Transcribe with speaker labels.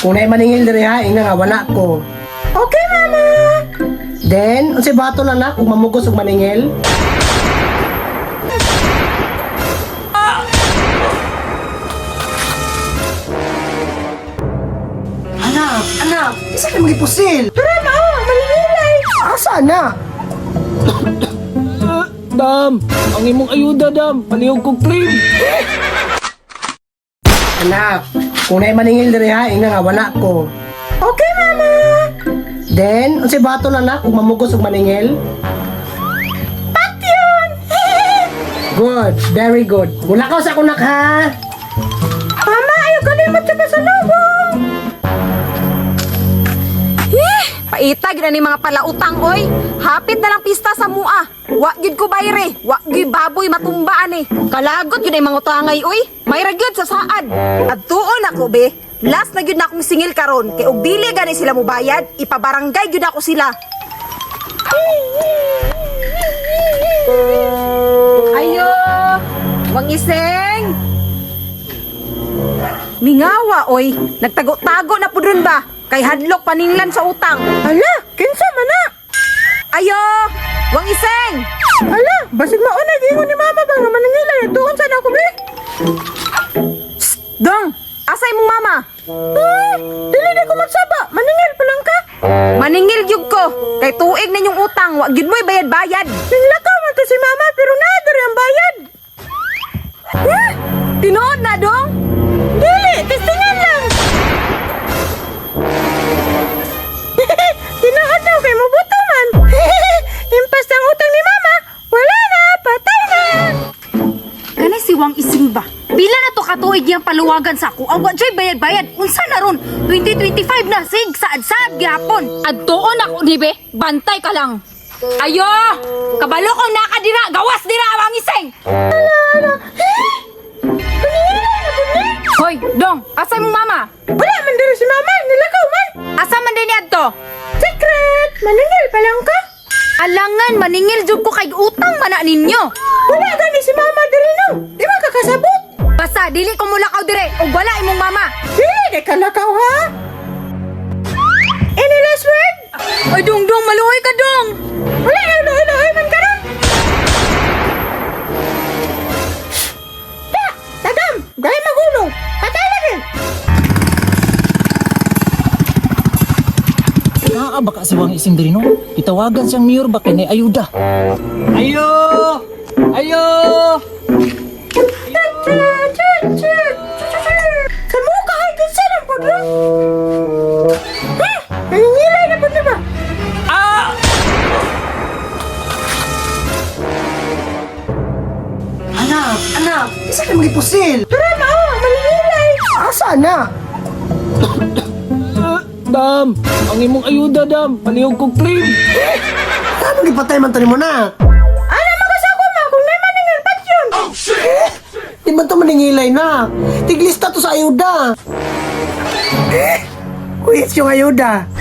Speaker 1: kunay maningil diri ha, ina nga wala ko. Okay, mama. Then, unsa bato lang na kung mamugos og maningil? Anak, isa ka magipusil. Tara na, maningilay. Asa na?
Speaker 2: Dam, ang imong ayuda, Dam. Palihog kong claim.
Speaker 1: Anak, kunay maningil diri ha, ina nga wala ko. Okay, mama. Then, unsa bato lang na kung mamugos og maningil? Patyon! Good, very good. Mulakaw sa kunak ha. Mama, ayaw kalimot sa pasalubong.
Speaker 3: Paitag na ni mga palautang, oy. Hapit na lang pista sa mua. Wa gyud ko bayre, wa gyud baboy matumbaan eh. Kalagot gyud ay mga utangay, oy. Mayra gyud sa saad. At tuon ako be. Last na gyud na akong singil karon kay og dili gani sila mo bayad, ipabarangay gyud ako sila. Ayo, wang iseng. Mingawa, oy. Nagtago-tago na pudron ba? Kay hadlok paninglan sa utang.
Speaker 1: Hala, kinsa man na?
Speaker 3: Ayo, wang iseng.
Speaker 1: Hala, basig mauna gingon ni mama ba nga maningilay tuon sa na ko be?
Speaker 3: Dong, asay mong mama?
Speaker 1: Dili na ko magsaba, maningil pa lang ka.
Speaker 3: Maningil gyud ko. Kay tuig na yung utang, wa gyud mo'y bayad-bayad.
Speaker 1: Nilakaw man to si mama pero naadari ang bayad.
Speaker 3: Tinuod na, dong?
Speaker 1: Dili, testingan lang. Tinood daw kay mabuto man. Impas ang utang ni mama, wala na, patay na.
Speaker 4: Kanay si Wang Ising ba? Pila na to katuig yung paluwagan sa ako. Awa joy bayad-bayad. Unsa na ron? 2025 na sig saad-saad gyapon.
Speaker 3: Adtuon ako ni be, bantay ka lang. Ayo, kabalo kong nakadira, gawas dira wang iseng. Hoy, dong, asa mong mama?
Speaker 1: Wala man diri si mama, nilakaw man.
Speaker 3: Asa man din adto?
Speaker 1: Secret, maningil pa lang ka.
Speaker 4: Alangan maningil jud ko kay utang man na ninyo.
Speaker 1: Wala gani si mama diri no. Di man kakasabot.
Speaker 4: Basta dili ko mulakaw dire ug wala imong mama.
Speaker 1: Dili di ka lakaw ha. Any last word?
Speaker 4: Ay dong maluoy ka dong.
Speaker 1: Wala na ulo-uloy man ka ron. Tagam, gaya magulong. Patay na rin.
Speaker 2: Naa baka si Wang Ising diri no? Itawagan siyang mayor ba kay nay ayuda. Ayo! Ayo!
Speaker 1: Sa mukha ay kinsa ng pudro. Naningilay na po ba?
Speaker 2: Ah! Anak, isa ka magipusil.
Speaker 1: Tara na, maningilay. Asa na?
Speaker 2: Dam, ang imong ayuda, Dam. Palihog kong claim.
Speaker 1: Ano gipatay man tani mo na? Ano makasako man kung may maningil pat yun? Oh shit! Di man to maningilay na. Tiglista to sa ayuda. Kuya yung ayuda.